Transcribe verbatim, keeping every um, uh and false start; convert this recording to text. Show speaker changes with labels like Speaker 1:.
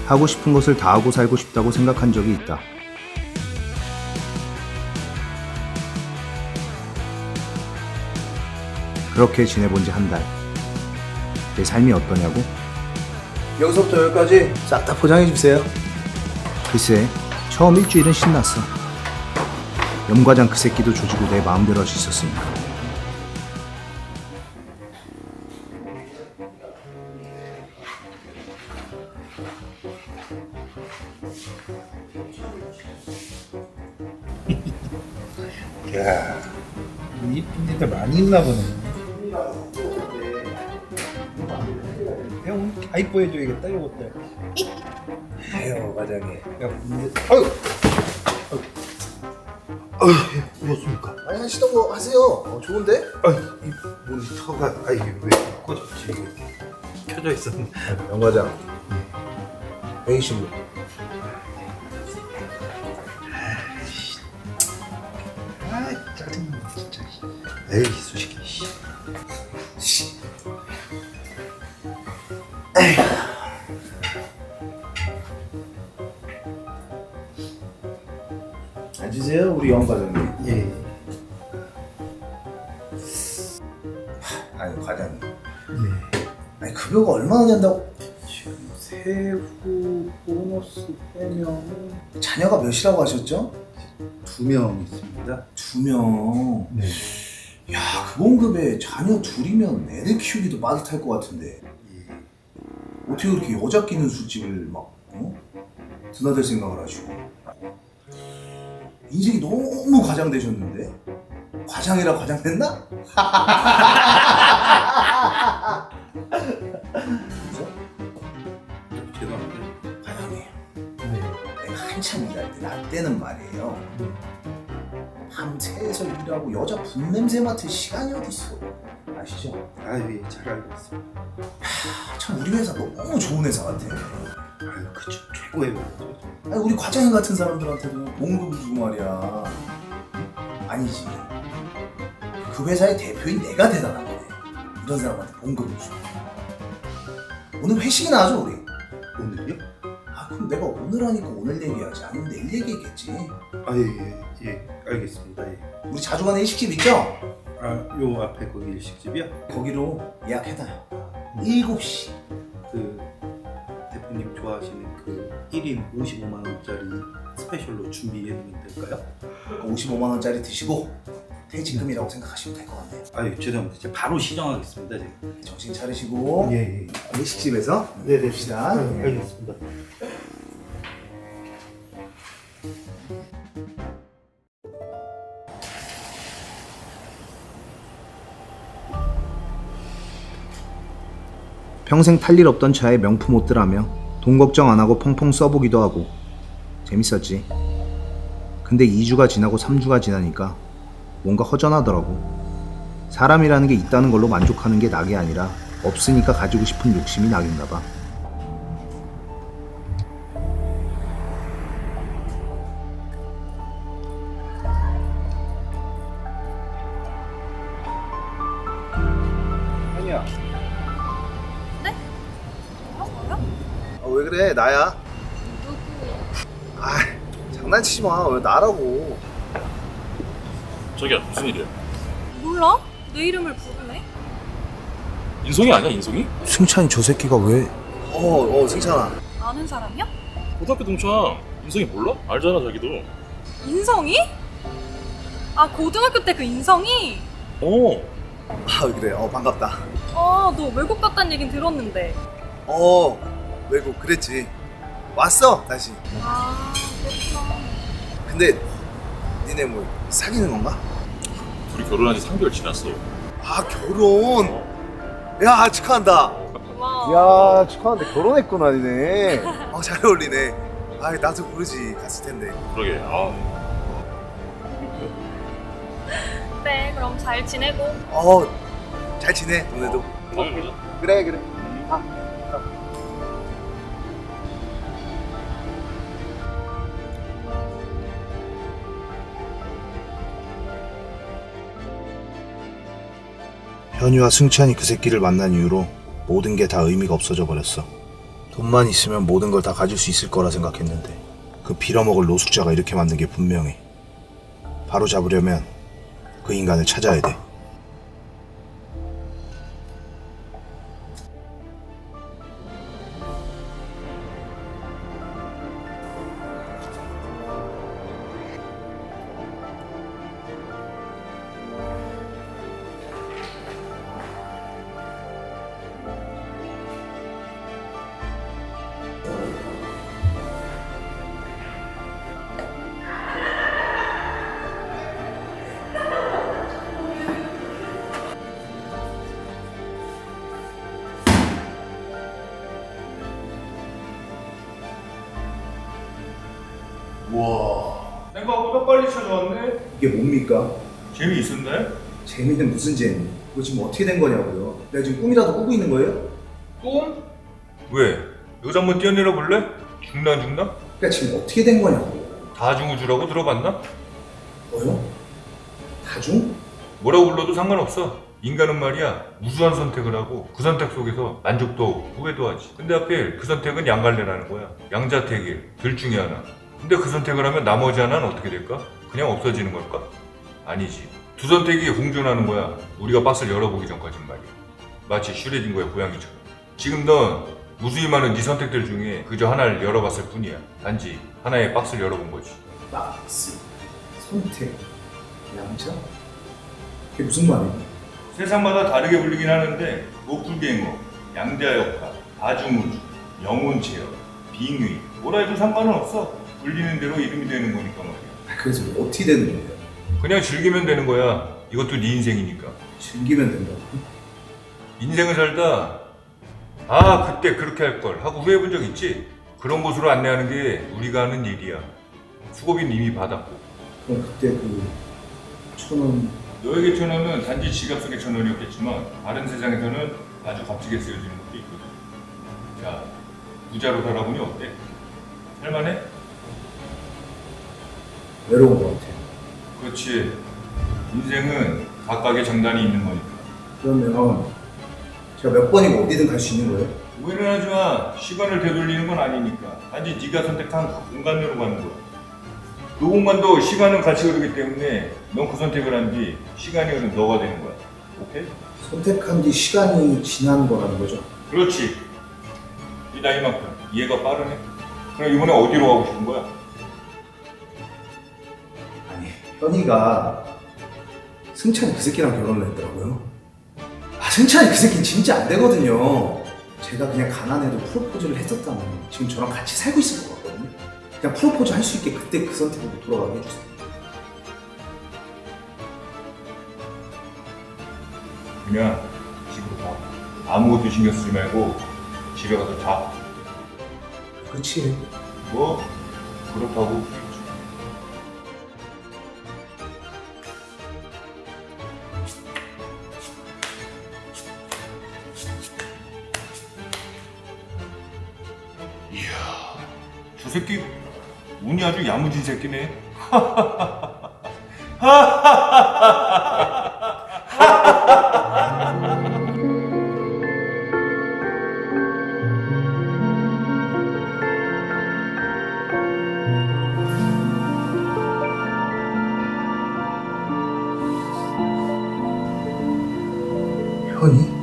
Speaker 1: 하고 싶은 것을 다 하고 살고 싶다고 생각한 적이 있다. 그렇게 지내본 지 한 달. 내 삶이 어떠냐고? 여기서부터 여기까지 싹 다 포장해 주세요. 글쎄, 처음 일주일은 신났어. 염과장 그 새끼도 조지고 내 마음대로 할 수 있었으니까.
Speaker 2: 야, 이쁜 애들 많이 있나 보네. 야, 오늘 다 이뻐해줘야겠다, 요것들. 아유, 과장님. 야, 근데, 아유! 아유, 아유, 무엇입니까?
Speaker 1: 아니 하시던 거 하세요. 어, 좋은데?
Speaker 2: 아유, 이 모니터가, 아, 이게 왜 꺼졌지? 이게 켜져 있었는데.
Speaker 1: 염과장 회의실로.
Speaker 2: 아, 짜증나, 진짜. 에이, 수식이, 씨. 씨.
Speaker 1: 앉으세요, 우리 염과장님.
Speaker 2: 예.
Speaker 1: 아니 과장님,
Speaker 2: 예.
Speaker 1: 아니 급여가 얼마나 된다고?
Speaker 2: 지금 세후 보너스 빼면
Speaker 1: 자녀가 몇이라고 하셨죠?
Speaker 2: 두 명 있습니다.
Speaker 1: 두 명.
Speaker 2: 네.
Speaker 1: 야, 그 봉급에 자녀 둘이면 애들 키우기도 빠듯할 것 같은데
Speaker 2: 예.
Speaker 1: 어떻게 그렇게 여자 끼는 술집을 막 어? 드나들 생각을 하시고. 인생이 너무 과장되셨는데? 과장이라 과장됐나? 그죠?
Speaker 2: 죄송합니다.
Speaker 1: 과장님,
Speaker 2: 네.
Speaker 1: 내가 한참 일할 때, 나 때는 말이에요. 밤새서 일하고 여자 분냄새 맡을 시간이 어딨어. 아시죠?
Speaker 2: 아, 예, 잘 알고 있습니다.
Speaker 1: 아, 참 우리 회사 너무 좋은 회사 같아.
Speaker 2: 아유, 그쵸. 최고의 회사죠.
Speaker 1: 아니, 우리 과장님 같은 사람들한테도 봉급을 주고 말이야. 아니지. 그 회사의 대표인 내가 대단한 거네. 이런 사람한테 봉급을 주고. 오늘 회식이나 하죠, 우리?
Speaker 2: 오늘요?
Speaker 1: 아, 그럼 내가 오늘 하니까 오늘 얘기하지. 아니면 내일 얘기했겠지.
Speaker 2: 아, 예, 예, 예, 알겠습니다. 예.
Speaker 1: 우리 자주 가는 일식집 있죠?
Speaker 2: 아, 요 앞에 거기 일식집이요?
Speaker 1: 거기로 예약해놔요. 일곱 시.
Speaker 2: 그 대표님 좋아하시는 그 일 인 오십오만 원짜리 스페셜로 준비해 놓으면 될까요?
Speaker 1: 오십오만 원짜리 드시고 퇴직금이라고 생각하시면 될 것 같네요.
Speaker 2: 아유, 죄송합니다. 제가 바로 시정하겠습니다. 제가.
Speaker 1: 정신 차리시고
Speaker 2: 예, 예.
Speaker 1: 일식집에서
Speaker 2: 네네.
Speaker 1: 봅시다.
Speaker 2: 네, 알겠습니다.
Speaker 1: 평생 탈 일 없던 차에 명품 옷들하며 돈 걱정 안 하고 펑펑 써보기도 하고 재밌었지. 근데 이 주가 지나고 삼 주가 지나니까 뭔가 허전하더라고. 사람이라는 게 있다는 걸로 만족하는 게 낙이 아니라 없으니까 가지고 싶은 욕심이 낙인가 봐.
Speaker 2: 아니야.
Speaker 3: 뭐라고요?
Speaker 1: 아, 왜 그래? 나야.
Speaker 3: 누구?
Speaker 1: 아, 장난치지 마. 왜 나라고?
Speaker 4: 저기야 무슨 일이야?
Speaker 3: 몰라? 내 이름을 부르네?
Speaker 4: 인성이 아니야 인성이?
Speaker 1: 승찬이 저 새끼가 왜? 어, 어, 승찬아.
Speaker 3: 아는 사람이야?
Speaker 4: 고등학교 동창 인성이 몰라? 알잖아 자기도.
Speaker 3: 인성이? 아 고등학교 때 그 인성이?
Speaker 4: 어.
Speaker 1: 아, 그래. 어, 반갑다.
Speaker 3: 아 너 외국 갔다는 얘긴 들었는데.
Speaker 1: 어, 외국 그랬지. 왔어, 다시.
Speaker 3: 아 그렇구나.
Speaker 1: 근데 니네 뭐 사귀는 건가?
Speaker 4: 둘이 결혼한 지 삼 개월 지났어.
Speaker 1: 아, 결혼.
Speaker 4: 어.
Speaker 1: 야, 축하한다.
Speaker 3: 고마워.
Speaker 1: 야, 축하한데 결혼했구나, 니네. 어, 잘 어울리네. 아, 나도 모르지. 갔을 텐데.
Speaker 4: 그러게. 아.
Speaker 3: 그래 그럼 잘 지내고.
Speaker 1: 어, 잘 지내, 너네도.
Speaker 4: 다음에 보자.
Speaker 1: 그래, 그래. 현유와 승찬이 그 새끼를 만난 이후로 모든 게 다 의미가 없어져 버렸어. 돈만 있으면 모든 걸 다 가질 수 있을 거라 생각했는데 그 빌어먹을 노숙자가 이렇게 만든 게 분명해. 바로 잡으려면 그 인간을 찾아야 돼.
Speaker 4: 와, 생각보다 빨리 찾아왔네.
Speaker 1: 이게 뭡니까?
Speaker 4: 재미있었네?
Speaker 1: 재미는 무슨 재미? 이거 지금 어떻게 된 거냐고요? 내가 지금 꿈이라도 꾸고 있는 거예요?
Speaker 4: 꿈? 왜? 여기서 한번 뛰어내려 볼래? 죽나 죽나?
Speaker 1: 그러니까 지금 어떻게 된 거냐고.
Speaker 4: 다중우주라고 들어봤나?
Speaker 1: 뭐요? 다중?
Speaker 4: 뭐라고 불러도 상관없어. 인간은 말이야 무수한 선택을 하고 그 선택 속에서 만족도 하고 후회도 하지. 근데 하필 그 선택은 양갈래라는 거야. 양자택일, 둘 중에 하나. 근데 그 선택을 하면 나머지 하나는 어떻게 될까? 그냥 없어지는 걸까? 아니지. 두 선택이 공존하는 거야. 우리가 박스를 열어보기 전까진 말이야. 마치 슈레딩거의 고양이처럼. 지금 넌 무수히 많은 네 선택들 중에 그저 하나를 열어봤을 뿐이야. 단지 하나의 박스를 열어본 거지.
Speaker 1: 박스, 선택, 양자? 그게 무슨 말이에요?
Speaker 4: 세상마다 다르게 불리긴 하는데 도플갱어, 양자역학, 다중우주, 영혼체험, 빙의 뭐라 해도 상관은 없어. 불리는 대로 이름이 되는 거니까 말이야.
Speaker 1: 그래서 어떻게 되는 거예요?
Speaker 4: 그냥 즐기면 되는 거야. 이것도 네 인생이니까.
Speaker 1: 즐기면 된다고?
Speaker 4: 인생을 살다 아 그때 그렇게 할 걸 하고 후회해 본 적 있지? 그런 곳으로 안내하는 게 우리가 하는 일이야. 수고비는 이미 받았고.
Speaker 1: 그럼 그때 그 천원
Speaker 4: 너에게 천 원은 단지 지갑 속의 천 원이었겠지만 다른 세상에서는 아주 값지게 쓰여지는 것도 있거든. 자, 부자로 살아보니 어때? 살만해?
Speaker 1: 외로운 것 같아요.
Speaker 4: 그렇지. 인생은 각각의 장단이 있는 거니까.
Speaker 1: 그러면 제가 몇 번이고 어디든 갈 수 있는 거예요?
Speaker 4: 오해는 하지 마. 시간을 되돌리는 건 아니니까. 단지 네가 선택한 그 공간으로 가는 거야. 그 공간도 시간은 같이 흐르기 때문에 넌 그 선택을 한 뒤 시간이 흐른 너가 되는 거야. 오케이?
Speaker 1: 선택한 뒤 시간이 지난 거라는 거죠?
Speaker 4: 그렇지. 네 나이만큼 이해가 빠르네. 그럼 이번에 어디로 가고 싶은 거야?
Speaker 1: 아니, 현이가 승찬이 그 새끼랑 결혼을 했더라고요. 아, 승찬이 그 새끼는 진짜 안 되거든요. 제가 그냥 가난해도 프로포즈를 했었다면 지금 저랑 같이 살고 있을 것 같거든요. 그냥 프로포즈 할 수 있게 그때 그 선택으로 돌아가게 해주세요.
Speaker 4: 그냥 집으로 가. 아무것도 신경 쓰지 말고 집에 가서 자.
Speaker 1: 그치?
Speaker 4: 뭐 그렇다고. 이야, 저 새끼 운이 아주 야무진 새끼네.
Speaker 1: 현이?